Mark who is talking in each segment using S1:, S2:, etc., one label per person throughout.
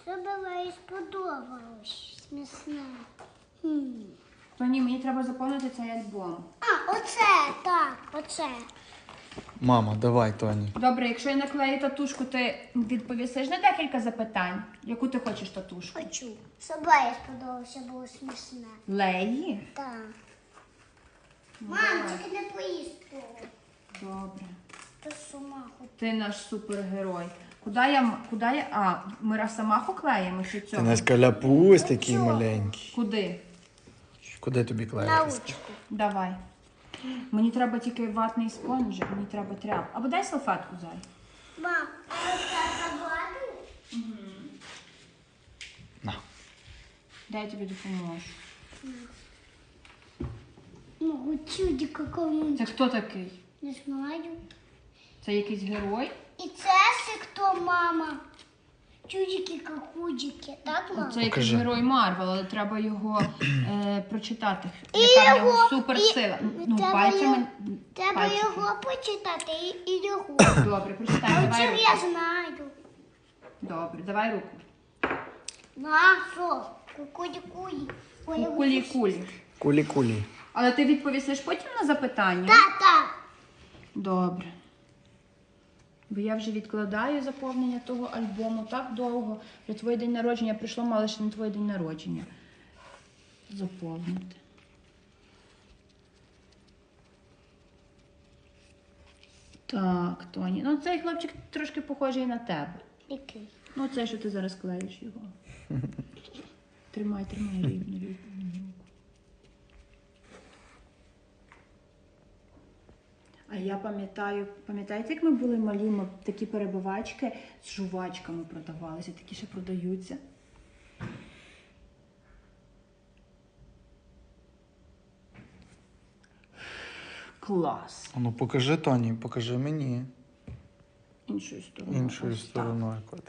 S1: Забиваю, сподобалось. Смісне.
S2: Тоні, мені треба заповнити цей альбом.
S1: А, оце, так, оце.
S3: Мама, давай, Тоні.
S2: Добре, якщо я наклею татушку, ти відповісиш на декілька запитань. Яку ти хочеш татушку?
S1: Хочу. Собаї сподобалося, було смішне.
S2: Леї?
S1: Так.
S2: Ну,
S1: Мам,
S2: давай.
S1: тільки не поїсти.
S2: Добре.
S1: Ти сама хоч.
S2: Ти наш супергерой. Куди я... А, ми Росомаху клеїмо чи
S3: Ти
S2: цього?
S3: наш каляпусь такий маленький.
S2: Куди?
S3: Куди тобі
S1: На
S3: клеїтися?
S1: ручку.
S2: Давай. Мені треба тільки ватний спонжик, мені треба тряп. Або дай салфетку, зай.
S1: Мам, а це забладу?
S3: На.
S2: Дай я тобі допоможу.
S1: Ну, чуді какому.
S2: Це хто такий?
S1: Не знаю.
S2: Це якийсь герой?
S1: І це ще хто, мама? Чудики какудики, так, мама?
S2: Це якийсь
S3: Покажи.
S2: герой Марвел, але треба його прочитати. Яка в нього
S1: його,
S2: суперсила. Ну,
S1: треба
S2: пальцями.
S1: Треба
S2: пальчики.
S1: його почитати і його.
S2: Добре, прочитай,
S1: А
S2: давай
S1: чим
S2: руку.
S1: я знаю?
S2: Добре, давай руку.
S1: На, що? Кукуді-куді.
S2: Кулі-кулі.
S3: Кулі-кулі.
S2: Але ти відповісиш потім на запитання?
S1: Так, так.
S2: Добре. Бо я вже відкладаю заповнення того альбому так довго. Вже твій день народження прийшло, мало ще не твій день народження. Заповнити. Так, Тоні. Ну цей хлопчик трошки похожий на тебе.
S1: Який?
S2: Ну це, що ти зараз клеїш його. Тримай рівно. А я пам'ятаєте, як ми були малі, ми такі перебивачки з жувачками продавалися, такі ще продаються. Клас.
S3: Ну покажи, Тоні, покажи мені.
S2: Іншою стороною.
S3: Іншою
S2: Ось так.
S3: стороною котик.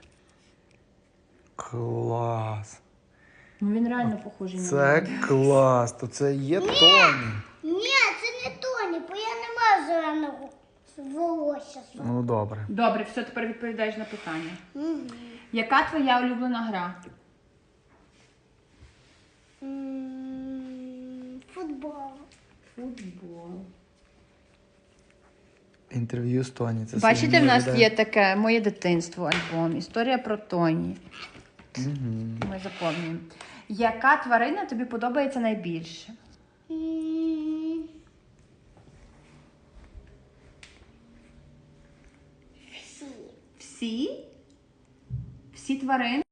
S3: Клас.
S2: Ну він реально похожий на
S3: Це
S2: мене.
S3: клас. То це є Тоні.
S1: Ні, це не Тоні, бо я не маю зеленого волосся.
S3: Ну добре.
S2: Добре, все, тепер відповідаєш на питання.
S1: Мгм.
S2: Яка твоя улюблена гра?
S1: Футбол.
S2: Футбол.
S3: Інтерв'ю з Тоні. Це
S2: Бачите, в
S3: Соломія
S2: нас
S3: веде.
S2: є таке моє дитинство альбом. Історія про Тоні.
S3: Мгм.
S2: Ми заповнюємо. Яка тварина тобі подобається найбільше?
S1: Всі.
S2: Всі? Всі тварини?